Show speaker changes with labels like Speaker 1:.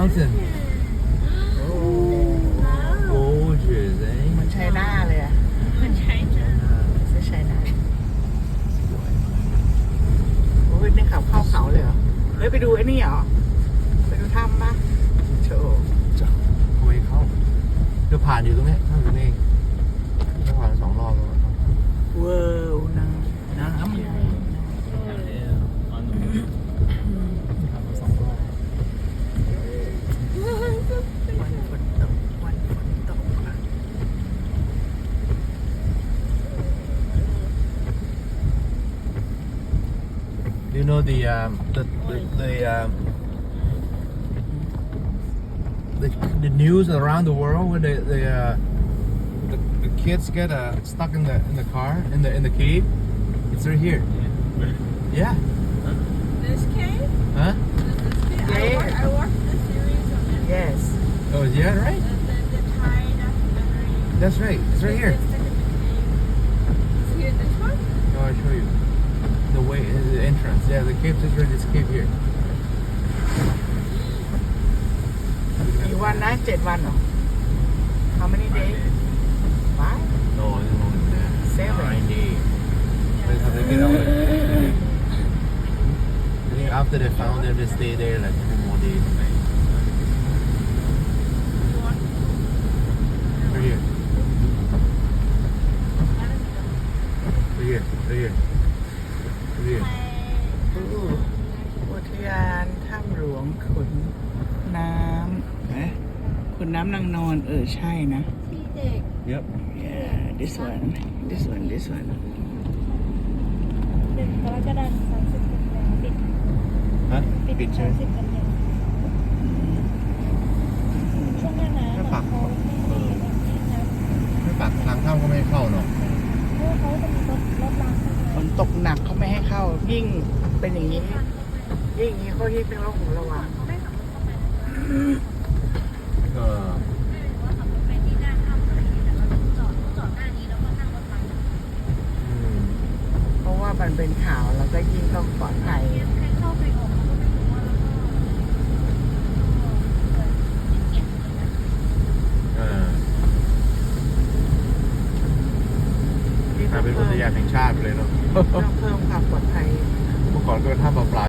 Speaker 1: mountain. Gorgeous, eh?
Speaker 2: เหมือนไชน่าเลยอะ
Speaker 3: มันใช่จ้ะ
Speaker 2: ไม่ใช่ไชน่าโอ้ยนี่เขาเข้าเขาเลยเหรอเฮ้ยไปดูไอ้นี่เหรอไปดูถ้ำปะโชว์
Speaker 1: ทำไมเข้าเดี๋ยวผ่านอยู่ตรงนี้เข้าอยู่นี่จะผ่าน2 รอบแล้ว
Speaker 2: เวิร์น้ำใหญ่ วันฝนตกวันฝนตกอะ
Speaker 1: You know the news around the world where the kids get stuck in the car in the cave. It's right here. Yeah.
Speaker 3: This cave?
Speaker 1: Huh?
Speaker 3: I watched the series on Netflix.
Speaker 2: yes
Speaker 1: Oh yeah, right.
Speaker 3: The Thai documentary.
Speaker 1: That's right. It's right here.
Speaker 3: Is here this one?
Speaker 1: Oh, I'll show you. The way, the entrance. Yeah, the cave is right. This cave here.
Speaker 2: กี่วันนะ7 วันเหรอ how many days 5
Speaker 1: No, I don't know that.
Speaker 2: 7
Speaker 1: 9 days. That's how they get out. I think after they found them, they stay there like 2 more days. Right here. Right here. Right here. Right here.
Speaker 2: อุทยานถ้ำหลวงขุนน้ำนะขุนน้ำนางนอนใช่นะ
Speaker 3: ที่เด็ก
Speaker 1: Yep.
Speaker 2: yeah this one
Speaker 3: 1 กรกฎาคม30 กันยาปิด
Speaker 1: Huh?
Speaker 3: ปิด
Speaker 1: ใช่ไหม
Speaker 3: 30 กันยาช่วงหน้าหนาว
Speaker 1: ไม่ปัก
Speaker 3: เขาไม่ให้นะ
Speaker 1: ไม่ปากทางเข้าก็ไม่ให้เข้าเนาะ
Speaker 3: เพราะว่าเขาจะมีรถรางเข้า
Speaker 2: ฝ
Speaker 3: มาน
Speaker 2: ตกหนักเขาไม่ให้เข้า ยิ่งเป็นอย่างนี้ ยิ่งอย่างนี้เขายิ่งเป็นโรคหูระวัง
Speaker 3: เขาไม่ขับรถเข้าไปนะ
Speaker 1: เออ
Speaker 3: ไม่ได้ว่าขับรถไปที่หน้าถ้ำอะไรอย่างเงี้ยแต่เราจอดหน้านี้แล้วก็นั่งรถไป
Speaker 1: อืม
Speaker 2: เพราะว่ามันเป็นข่าวแล้วก็ยิ่งต้องปลอดภัย
Speaker 3: ใครเข้าใครออกเราก็ไม่รู้ว่าแล้วก็เก็บเลยนะ
Speaker 1: เออกลายเป็นอุทยานแห่งชาติไปเลยเนาะ